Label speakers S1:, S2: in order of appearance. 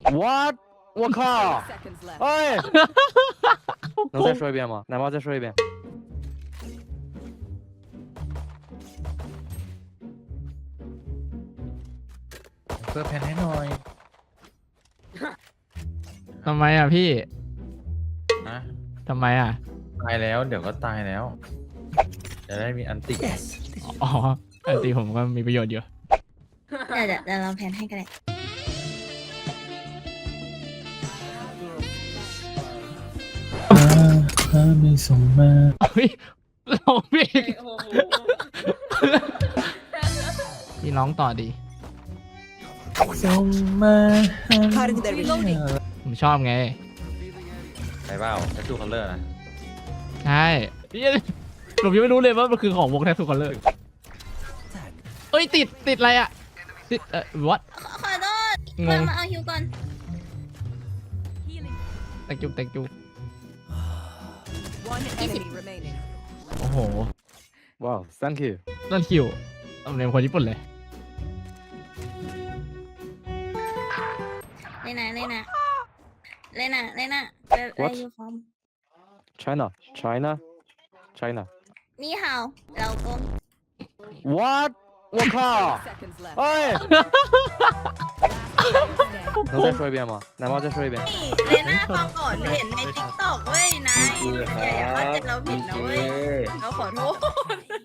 S1: What？我靠！哎，能再说一遍吗？奶妈再说一遍。
S2: เปิดแผ่นให้หน่อย
S3: ทำไมอ่ะพี่
S2: นะ
S3: ทำไมอ่ะ
S2: ตายแล้วเดี๋ยวก็ตายแล้ว จะได้มีอันติ
S3: อ๋ออันตีผมก็มีประโยชน์อยู่
S4: เดี๋ยวเราแพนให้กันเลย
S2: ไม่ส่งมา
S3: เฮ้ยร้องพี่พี่ร้องต่อดี
S2: ส่งมา
S3: ผมชอบไง
S2: ใช่เปล่าแททูคัลเลอร์นะ
S3: ใช่พี่ผมยังไม่รู้เลยว่ามันคือของวงแททูคอลเลอร์เอ้ยติดอะไรอ่ะติดwhat
S4: ขอโทษ
S3: งง
S4: มาเอาฮิวก่อน
S3: thank you
S5: One enemy remaining.
S3: โอ้โห
S1: Wow, thank you.
S3: นั่นคิวตำเนียมคนญี่ปุ่นเลย
S4: เลยนะเลยนะไปยูฟอร์ม
S1: China, China, China.
S4: นี่เห่าเรากง
S1: What？我靠！
S5: Seconds left.
S1: 哎，能再说一遍吗？奶妈再说一遍。
S4: เลยนะฟังก่อนเห็นในติ๊กต็อกเว้ยนายอย่าเข้าใจเราผิดนะเว้ยเราขอโทษ